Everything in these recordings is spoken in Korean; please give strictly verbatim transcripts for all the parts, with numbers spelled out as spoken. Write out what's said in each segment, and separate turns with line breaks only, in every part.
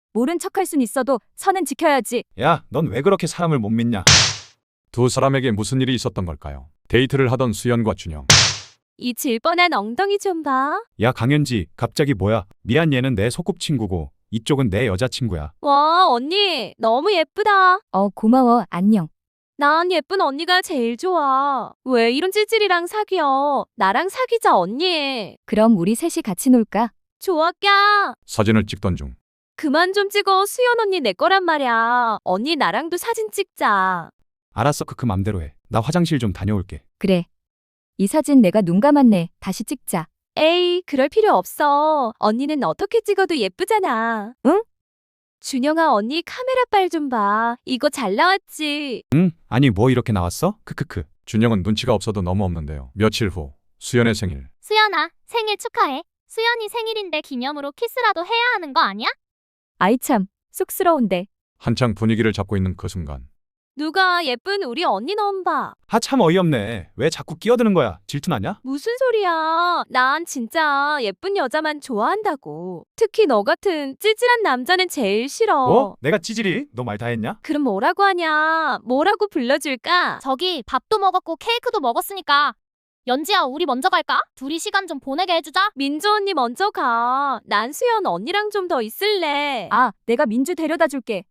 모른 척할 순 있어도 선은 지켜야지.
야, 넌 왜 그렇게 사람을 못 믿냐?
두 사람에게 무슨 일이 있었던 걸까요? 데이트를 하던 수연과 준영.
이 질뻔한 엉덩이 좀 봐.
야, 강현지, 갑자기 뭐야? 미안, 얘는 내 소꿉친구고 이쪽은 내 여자친구야.
와, 언니 너무 예쁘다. 어, 고마워. 안녕. 난 예쁜 언니가 제일 좋아. 왜 이런 찌질이랑 사귀어? 나랑 사귀자, 언니. 그럼 우리 셋이 같이 놀까? 좋아, 까.
사진을 찍던 중
그만 좀 찍어. 수연 언니 내 거란 말이야. 언니 나랑도 사진 찍자.
알았어, 그, 그 맘대로 해. 나 화장실 좀 다녀올게.
그래. 이 사진 내가 눈 감았네. 다시 찍자. 에이, 그럴 필요 없어. 언니는 어떻게 찍어도 예쁘잖아. 응? 준영아, 언니 카메라 빨 좀 봐. 이거 잘 나왔지?
응? 아니, 뭐 이렇게 나왔어? 크크크.
준영은 눈치가 없어도 너무 없는데요. 며칠 후 수연의 생일.
수연아, 생일 축하해. 수연이 생일인데 기념으로 키스라도 해야 하는 거 아니야?
아이 참, 쑥스러운데.
한창 분위기를 잡고 있는 그 순간
누가 예쁜 우리 언니 놈 봐.
아, 참 어이없네. 왜 자꾸 끼어드는 거야? 질투나냐?
무슨 소리야. 난 진짜 예쁜 여자만 좋아한다고. 특히 너 같은 찌질한 남자는 제일 싫어.
뭐? 내가 찌질이? 너 말 다 했냐?
그럼 뭐라고 하냐? 뭐라고 불러줄까?
저기 밥도 먹었고 케이크도 먹었으니까. 연지야, 우리 먼저 갈까? 둘이 시간 좀 보내게 해주자.
민주 언니 먼저 가. 난 수연 언니랑 좀 더 있을래. 아, 내가 민주 데려다 줄게.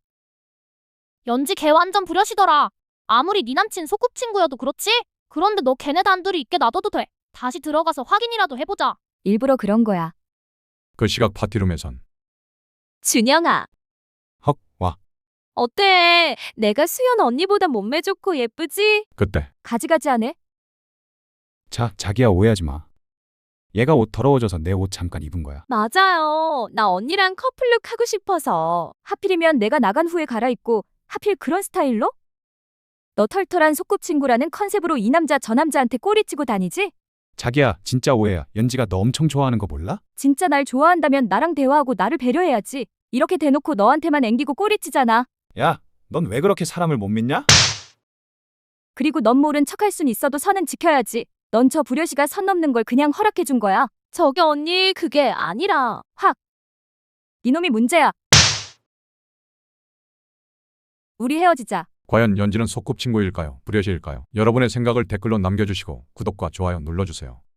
연지 걔 완전 부려시더라. 아무리 네 남친 소꿉친구여도 그렇지? 그런데 너 걔네 단둘이 있게 놔둬도 돼. 다시 들어가서 확인이라도 해보자.
일부러 그런 거야.
그 시각 파티룸에선
준영아,
헉, 와.
어때? 내가 수연 언니보다 몸매 좋고 예쁘지?
그때
가지가지하네?
자, 자기야, 오해하지 마. 얘가 옷 더러워져서 내 옷 잠깐 입은 거야.
맞아요. 나 언니랑 커플룩 하고 싶어서. 하필이면 내가 나간 후에 갈아입고 하필 그런 스타일로? 너 털털한 소꿉친구라는 컨셉으로 이 남자 저 남자한테 꼬리치고 다니지?
자기야, 진짜 오해야. 연지가 너 엄청 좋아하는 거 몰라?
진짜 날 좋아한다면 나랑 대화하고 나를 배려해야지. 이렇게 대놓고 너한테만 앵기고 꼬리치잖아.
야, 넌 왜 그렇게 사람을 못 믿냐?
그리고 넌 모른 척할 순 있어도 선은 지켜야지. 넌 저 부려시가 선 넘는 걸 그냥 허락해 준 거야. 저기 언니, 그게 아니라 확. 이놈이 문제야. 우리 헤어지자.
과연 연지는 소꿉친구일까요? 불효시일까요? 여러분의 생각을 댓글로 남겨주시고 구독과 좋아요 눌러주세요.